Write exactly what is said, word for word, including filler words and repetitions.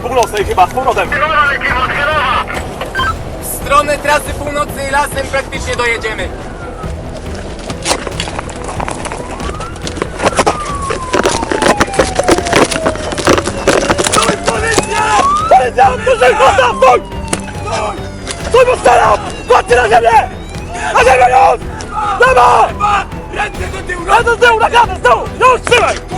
północnej chyba, z powrotem. W stronę trasy północnej lasem praktycznie dojedziemy. Stój, policja! Policja, proszę, chłopca, stój! Stój! Stój, bo strzelam! Kładźcie na ziemię! Na ziemię już! Lewo! Ręce do tyłu! Ręce z tyłu, na klatę, z tyłu! Już, trzymaj!